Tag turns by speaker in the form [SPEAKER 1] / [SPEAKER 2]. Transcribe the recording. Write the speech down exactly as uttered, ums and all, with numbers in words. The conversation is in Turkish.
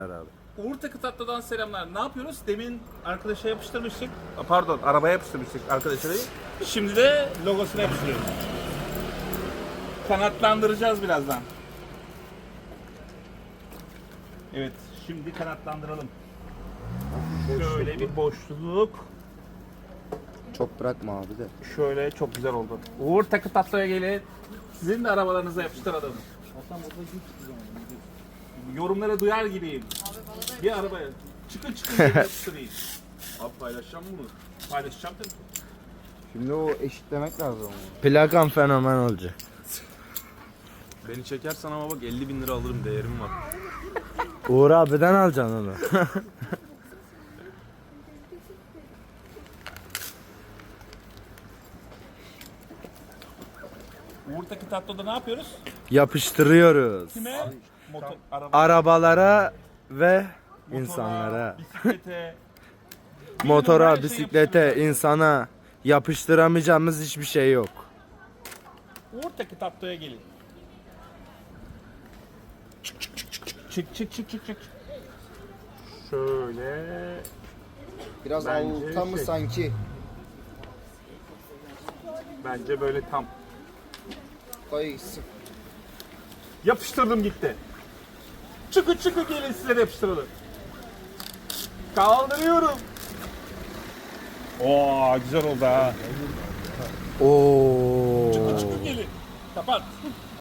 [SPEAKER 1] Abi.
[SPEAKER 2] Uğur Takı Tatlı'dan selamlar. Ne yapıyoruz? Demin arkadaşa yapıştırmıştık. Pardon, arabaya yapıştırmıştık arkadaşları. Şimdi de logosuna yapıştırıyoruz. Kanatlandıracağız birazdan. Evet, şimdi kanatlandıralım. Şöyle bir boşluk.
[SPEAKER 1] Çok bırakma abi de.
[SPEAKER 2] Şöyle çok güzel oldu. Uğur Takı Tatlı'ya gelin. Sizin de arabalarınıza yapıştıralım. Yorumları duyar gibiyim. Bir arabaya çıkın çıkın diye yapıştırayım. Abi paylaşacağım bunu. Paylaşacağım tabii.
[SPEAKER 1] Şimdi o eşitlemek lazım ama.
[SPEAKER 3] Plakam fenomen olacak.
[SPEAKER 4] Beni çekersen ama bak elli bin lira alırım, değerim var.
[SPEAKER 3] Uğur abiden alacaksın onu.
[SPEAKER 2] Uğur Takı Tatlı'da ne yapıyoruz?
[SPEAKER 3] Yapıştırıyoruz.
[SPEAKER 2] Kime? Motor, araba,
[SPEAKER 3] Arabalara ve
[SPEAKER 2] motora,
[SPEAKER 3] insanlara.
[SPEAKER 2] bisiklete,
[SPEAKER 3] Motora,
[SPEAKER 2] her şeyi
[SPEAKER 3] bisiklete,
[SPEAKER 2] yapıştıracağız.
[SPEAKER 3] insana yapıştıramayacağımız hiçbir şey yok.
[SPEAKER 2] Uğur Takı Tatlı'ya gelin. Çık çık çık çık çık çık çık çık çık. Şöyle.
[SPEAKER 1] Biraz
[SPEAKER 2] Bence
[SPEAKER 1] alta mı
[SPEAKER 2] şey-
[SPEAKER 1] sanki?
[SPEAKER 2] Bence böyle tam.
[SPEAKER 1] Dayı sık.
[SPEAKER 2] Yapıştırdım gitti. Çıkı çıkı gelin size de yapıştıralım. Kaldırıyorum. Oo güzel oldu ha.
[SPEAKER 3] Oo.
[SPEAKER 2] Çıkı gelin. Kapat.